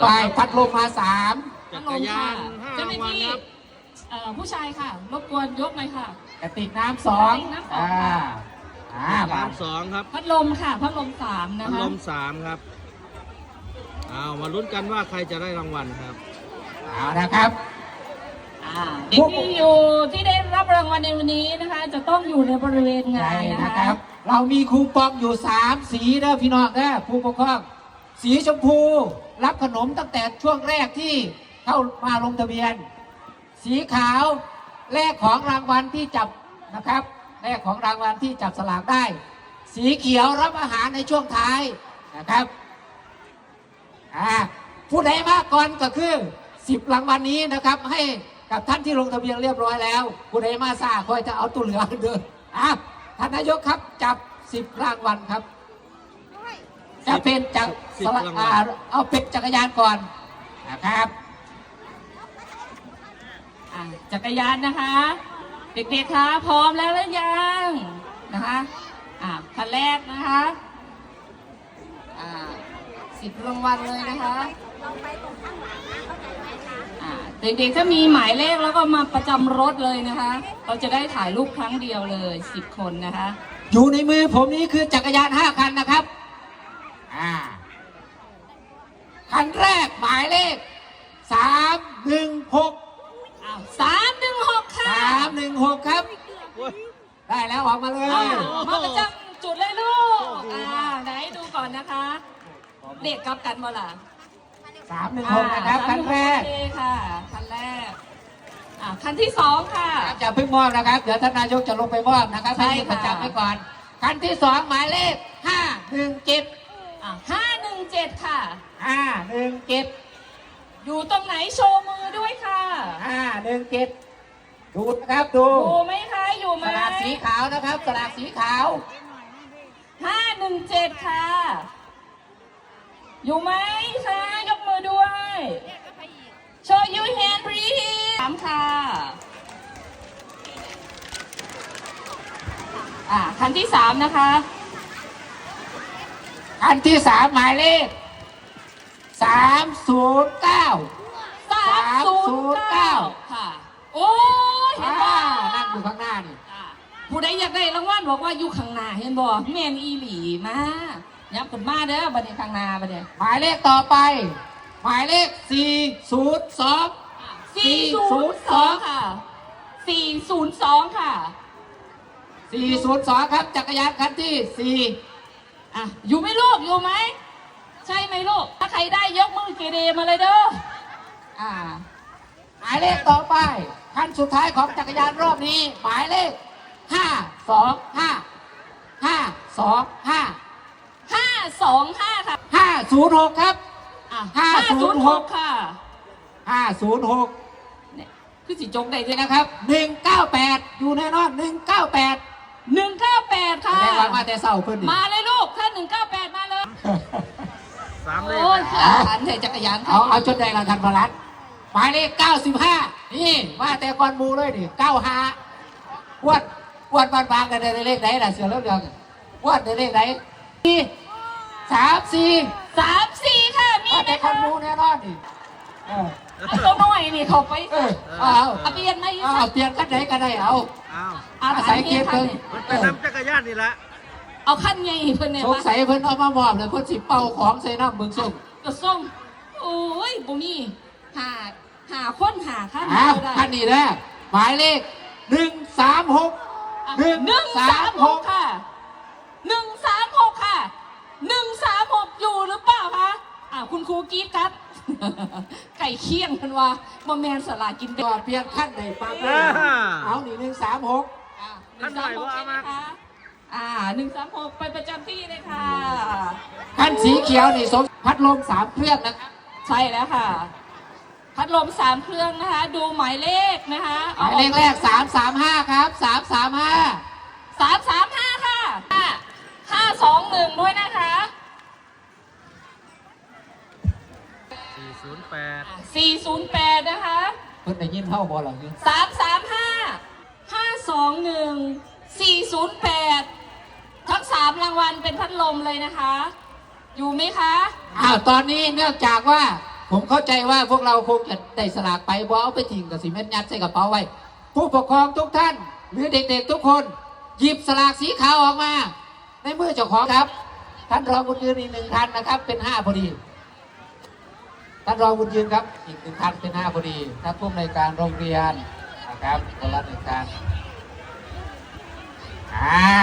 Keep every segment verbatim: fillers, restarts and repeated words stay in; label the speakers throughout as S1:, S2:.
S1: ไปพัดลมมาสาม
S2: จักรยานห้ารางวัลครับ
S3: ผู้ชายค่ะรบกวนยกหน่อยค่ะ
S1: กระติกน้ำสองอ่าอ่า
S2: สามสองครับ
S3: พัดลมค่ะพัดลมสามนะ
S2: พัด
S3: คะ
S2: ลมสามครับเอามาลุ้นกันว่าใครจะได้รางวัลครับ
S1: เอานะครับ
S3: เด็กที่อยู่ที่ได้รับรางวัลในวันนี้นะคะ จะต้องอยู่ในบริเวณงา
S1: ใช่
S3: นนะ
S1: นะค
S3: คะ
S1: รับ เรามีคูปองอยู่สามสีนะพี่น้องนะผู้ปกครองสีชมพูรับขนมตั้งแต่ช่วงแรกที่เข้ามาลงทะเบียน สีขาวแลกของรางวัลที่จับนะครับแลกของรางวัลที่จับสลากได้ สีเขียวรับอาหารในช่วงท้ายนะครับอ่าผู้ใดมากก่อนก็คือสิบรางวัลนี้นะครับให้กับท่านที่ลงทะเบียนเรียบร้อยแล้วผู้ใดมาซ่าคอยจะเอาตัวเหลือเดินอ่ะท่านนายกครับจับสิบรางวัลครับจะเป็นจักร
S2: สิบรางวัล
S1: อ่าเอาเป็นจักรยานก่อนนะครับ
S3: อ่ะจักรยานนะคะ เด็กๆคะพร้อมแล้วหรือยังนะคะอ่ะคันแรกนะคะอ่าสิบรางวัลเลยนะคะอ่าเด็กๆถ้ามีหมายเลขแล้วก็มาประจำรถเลยนะคะ เราจะได้ถ่ายรูปครั้งเดียวเลยสิบคนนะคะ
S1: อยู่ในมือผมนี้คือจักรยานห้าคันนะครับอ่าคันแรกหมายเลขสามหนึ่งหก
S3: อ้าวสามหนึ่งหกค่ะ
S1: สามหนึ่งหกครับ ได้แล้วออกมาเลย
S3: อ่ามาประจำจุดเลยลูกอ่าไหนดูก่อนนะคะ เด็กกลับกันบ่ล่ะ
S1: สามหนึ่งหกนะครับคันแรก
S3: โอเคค่ะคันแรกอ่าคันที่สองค่ะ
S1: จะเพิ่งมอบนะครับ เดี๋ยวท่านนายกจะลงไปมอบนะครับ
S3: ใช่
S1: ให้
S3: ค่ะ
S1: ประจำไว้ก่อน คันที่สองหมายเลขห้าหนึ่งเจ็ด
S3: อ่าห้าหนึ่งเจ็ดค่ะ
S1: ห้าหนึ่งเจ็ด
S3: อยู่ตรงไหนโชว์มือด้วยค่ะ
S1: ห้าหนึ่งเจ็ดดูนะครับดู
S3: อยู่ไหมคะอยู่ไหม
S1: สลากสีขาวนะครับสลากสีขาว
S3: ห้าหนึ่งเจ็ดค่ะ อยู่ไหมคะยกมือด้วย show your hand please สามค่ะอ่าคันที่สามนะคะ
S1: คันที่สามหมายเลขสามศูนย์เก้า
S3: สามศูนย์เก้าค่ะ โอ้ยเห็นบ่
S1: นั่งอยู่ข้างหน้านี่
S3: อ่าผู้ใดอยากได้รางวัลบอกว่าอยู่ข้างหน้าเห็นบ่แมนอีหลีมายับขึ้นมาเด้อบัดนี้ข้างหน้าบัดนี้
S1: หมายเลขต่อไป หมายเลขสี่ศูนย์สอง
S3: สี่ศูนย์สองค่ะสี่ศูนย์สองค่ะ
S1: สี่ศูนย์สองครับจักรยานคันที่สี่
S3: อ่ะอยู่ไหมลูกอยู่ไหมใช่ไหมลูกถ้าใครได้ยกมือเกเรมาเลยเด้ออ่า
S1: หมายเลขต่อไปคันสุดท้ายของจักรยานรอบนี้ หมายเลขห้าสองห้าห้าสองห้า
S3: ห้าสองห้าค่ะ
S1: ห้าศูนย์หกครับ
S3: อ่ะ
S1: ห้าศูนย์หก
S3: ค่ะ
S1: ห้าศูนย์หก
S3: เนี่ยคือสิจงได้
S1: นี่
S3: ด้วยนะ
S1: นะครับหนึ่งเก้าแปดอยู่แน่นอนหนึ่งเก้าแปด
S3: หนึ่งเก้าแปดค่ะ
S1: แสดงว่ามาแต่เศร้าเพิ่นนี่
S3: มาเลยลูกถ้าหนึ่งเก้าแปดมาเลย
S2: สามเลข
S3: โอ้ย
S2: นะ
S3: ขยันเถอะจักรยาน
S1: เอาเอาจนได้รางวัลพลัดหมายเลขเก้าสิบห้านี่มาแต่ก่อนหมูเลยนี่เก้าห้าอ้วนอ้วนบานบางกันได้เลขไหนล่ะเสือเลือดเรืองอ้วนได้เลขไหนสี่สามสี่
S3: สามสี่ค่ะมี
S1: มา
S3: ไหม
S1: แต่ก่อ
S3: คะ
S1: นหมูแน่นอนนี่เออ
S3: เอาตัวน้อยนี่เขาไป
S1: เออเอาเอา
S3: เอาเปลี่ยนไหม
S1: เอาเอาเปลี่ยนกันไหนก็ได้เอา
S2: อ้าว
S3: เอา
S1: อาศัยเกียรติ
S3: คั
S1: เพิ่
S3: น
S1: น
S3: นี้
S2: มันเป็นน้ำจักรยานนี่แหละ
S3: เอาขั้นไงเพื่อนเนี่ย
S1: สงสัยเพิ่นเอามามอบเลยเพิ่นสิเป่าของใส่น้ำมึงส่ง
S3: กระส่งโอ้ยบุมีหาหาคนหาขั้น
S1: อ้าว
S3: ได้
S1: ท่านนี้นะหมายเลขหนึ่งสามหก
S3: หนึ่ง
S1: หนึ่ง
S3: สา
S1: สาม ม
S3: ห
S1: ห
S3: ก
S1: ก
S3: ค่ะหนึ่งสามหกค่ะหนึ่งสามหกอยู่หรือเปล่าคะอ่าคุณครูกรีดครับ ไก่เคี่ยงกันว่าบะแมนสลากินเด็
S1: ก็เปลี่ยนขั้นในปั๊บเลยเอาหนีหนึ่งสามหก
S3: หนึ่งสามหกใช่ไหมคะอ่าหนึ่งสามหกไปประจำที่เลยค่ะ
S1: ขั้นสีเขียวนี่สมพัดลมสามเครื่องนะครับ
S3: ใช่แล้วค่ะ พัดลมสามเครื่องนะคะ ดูหมายเลขนะคะ
S1: หมายเลขแรกสามสามห้าครับสามสามห้า
S3: สามสามห้าค่ะห้าสองหนึ่งด้วยนะคะ
S2: สี่ศูนย์แปด
S3: สี่ศูนย์แปดนะคะ
S1: เพิ่นได้ยินเท่าบอลหรอเนี่ย
S3: สามสามห้าห้าสองหนึ่งสี่ศูนย์แปดทั้งสามรางวัลเป็นพัดลมเลยนะคะ อยู่ไหมคะ
S1: อ้าวตอนนี้เนื่องจากว่าผผมเข้าใจว่าพวกเราคงจะได้สลากไปบอเอาไปทิ้งกับสีเม็ดยัดใส่กระเป๋าไว้ผู้ปกครองทุกท่าน หรือเด็กๆทุกคน หยิบสลากสีขาวออกมา ในมือเจ้าของครับ ท่านรองบุญยืนอีกหนึ่งท่านนะครับ เป็นห้าพอดีท่านรองบุญยืนครับ อีกหนึ่งท่านเป็นห้าพอดีท่านผู้อำนวยการโรงเรียนนะครับคนละหนึ่งท่านอ่า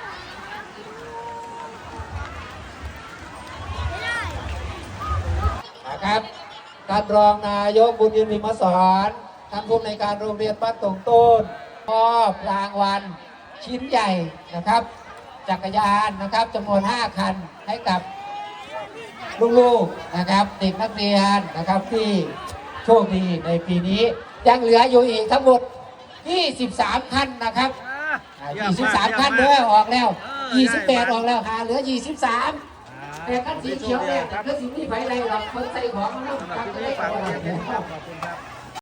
S1: นะครับท่านรองนายกบุญยืนพิมพ์สอนท่านผู้อำนวยการโรงเรียนบ้านตงต้นมอบรางวัลชิ้นใหญ่นะครับ จักรยานนะครับจำนวนห้าคันให้กับลูกๆนะครับเด็กนักเรียนนะครับที่โชคดีในปีนี้ยังเหลืออยู่อีกทั้งหมดยี่สิบสามคันนะครับยี่สิบสามคันเด้อออกแล้วยี่สิบแปดออกแล้วหาเหลือยี่สิบสามแต่คันสีเขียวเนี่ยก็สีนี้ไปไรหรอกคนใส่ของมันต้องการจะได้ของอะไร